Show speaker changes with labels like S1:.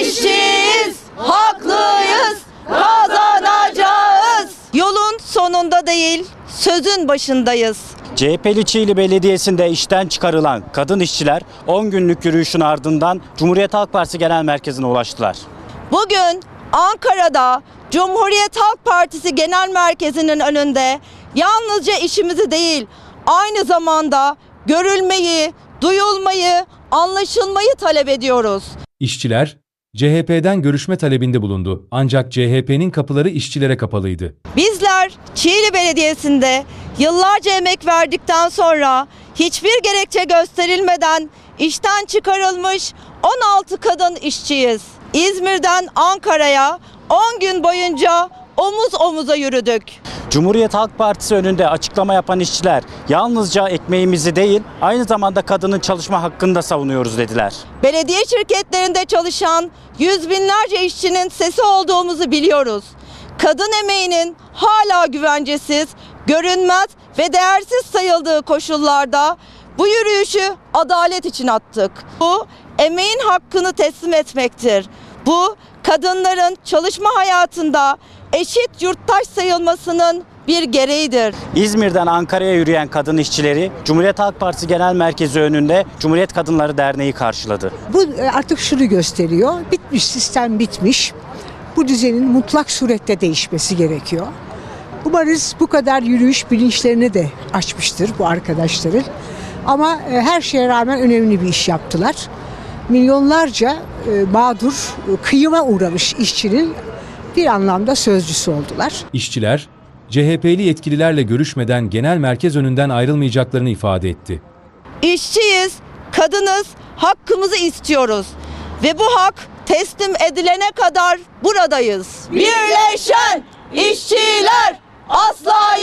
S1: İşçiyiz, haklıyız, kazanacağız. Yolun sonunda değil, sözün başındayız.
S2: CHP'li Çiğli Belediyesi'nde işten çıkarılan kadın işçiler 10 günlük yürüyüşün ardından Cumhuriyet Halk Partisi Genel Merkezi'ne ulaştılar.
S1: Bugün Ankara'da Cumhuriyet Halk Partisi Genel Merkezi'nin önünde yalnızca işimizi değil, aynı zamanda görülmeyi, duyulmayı, anlaşılmayı talep ediyoruz.
S3: İşçiler, CHP'den görüşme talebinde bulundu. Ancak CHP'nin kapıları işçilere kapalıydı.
S1: Bizler Çiğli Belediyesi'nde yıllarca emek verdikten sonra hiçbir gerekçe gösterilmeden işten çıkarılmış 16 kadın işçiyiz. İzmir'den Ankara'ya 10 gün boyunca omuz omuza yürüdük.
S2: Cumhuriyet Halk Partisi önünde açıklama yapan işçiler yalnızca ekmeğimizi değil aynı zamanda kadının çalışma hakkını da savunuyoruz dediler.
S1: Belediye şirketlerinde çalışan yüz binlerce işçinin sesi olduğumuzu biliyoruz. Kadın emeğinin hala güvencesiz, görünmez ve değersiz sayıldığı koşullarda bu yürüyüşü adalet için attık. Bu emeğin hakkını teslim etmektir. Bu kadınların çalışma hayatında eşit yurttaş sayılmasının bir gereğidir.
S2: İzmir'den Ankara'ya yürüyen kadın işçileri Cumhuriyet Halk Partisi Genel Merkezi önünde Cumhuriyet Kadınları Derneği karşıladı.
S4: Bu artık şunu gösteriyor. Bitmiş, sistem bitmiş. Bu düzenin mutlak surette değişmesi gerekiyor. Umarız bu kadar yürüyüş bilinçlerini de açmıştır bu arkadaşların. Ama her şeye rağmen önemli bir iş yaptılar. Milyonlarca mağdur, kıyıma uğramış işçinin bir anlamda sözcüsü oldular.
S3: İşçiler, CHP'li yetkililerle görüşmeden genel merkez önünden ayrılmayacaklarını ifade etti.
S1: İşçiyiz, kadınız, hakkımızı istiyoruz ve bu hak teslim edilene kadar buradayız. Birleşen işçiler asla